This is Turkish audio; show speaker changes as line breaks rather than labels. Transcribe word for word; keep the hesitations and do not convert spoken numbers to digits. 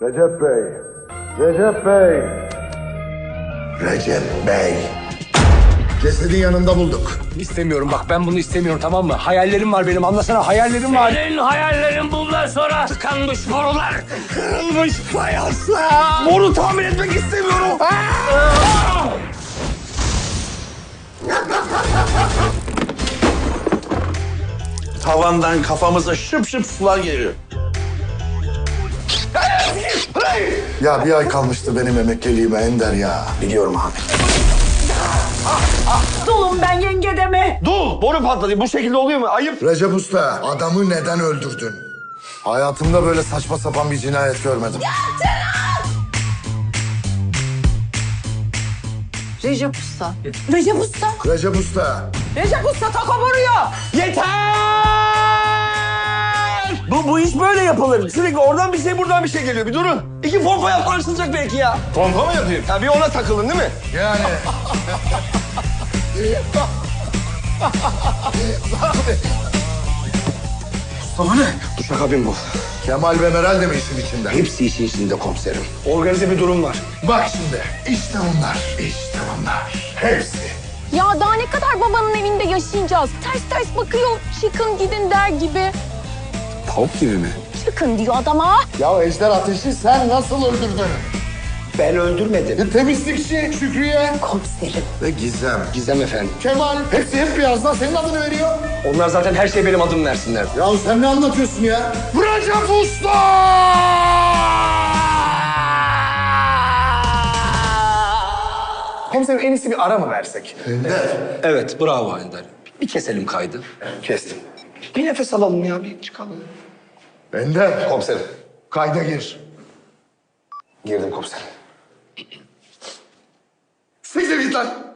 Recep Bey. Recep Bey.
Recep Bey. Cesedin yanında bulduk.
İstemiyorum bak, ben bunu istemiyorum, tamam mı? Hayallerim var benim, anlasana, hayallerim var.
Senin hayallerin bundan sonra tıkanmış borular, kırılmış fayanslar.
Boru tamir etmek istemiyorum.
Tavandan kafamıza şıp şıp sular geliyor.
Ya bir ay kalmıştı benim emekliliğime Ender ya.
Biliyorum abi.
Dulum ben yenge deme.
Dur, boru patladı. Bu şekilde oluyor mu? Ayıp.
Recep Usta, adamı neden öldürdün? Hayatımda böyle saçma sapan bir cinayet görmedim.
Recep Usta. Recep Usta.
Recep Usta,
Recep Usta taka vuruyor.
Yeter! Bu, bu iş böyle yapılır. Sürekli oradan bir şey, buradan bir şey geliyor. Bir durun. İki pompa yaparsınacak belki ya. Pompa mı yapayım? Tabii ona takılın değil mi?
yani...
Mustafa ne? Duşakabin bu.
Kemal ve Meral de mi işin içinde?
Hepsi işin içinde komiserim.
Organize bir durum var.
Bak şimdi, işte bunlar, işte bunlar. Hepsi.
Ya daha ne kadar babanın evinde yaşayacağız? Ters ters bakıyor, çıkın gidin der gibi.
Tavuk gibi mi?
Çıkın diyor adama.
Ya Ejder Ateş'i sen nasıl öldürdün?
Ben öldürmedim.
E, temizlikçi Şükrü'ye
Komiserim.
ve Gizem.
Gizem efendim.
Kemal, hepsi hep birazdan senin adını veriyor.
Onlar zaten her şey benim adım versinler.
Ya sen ne anlatıyorsun ya? Recep Usta!
Komiserim en iyisi bir ara mı versek?
Ender.
Evet, bravo Ender. Bir keselim kaydı. Kestim. Bir nefes alalım ya, bir çıkalım.
Ender.
Komiserim.
Kayda gir.
Girdim komiserim.
Siktir git lan.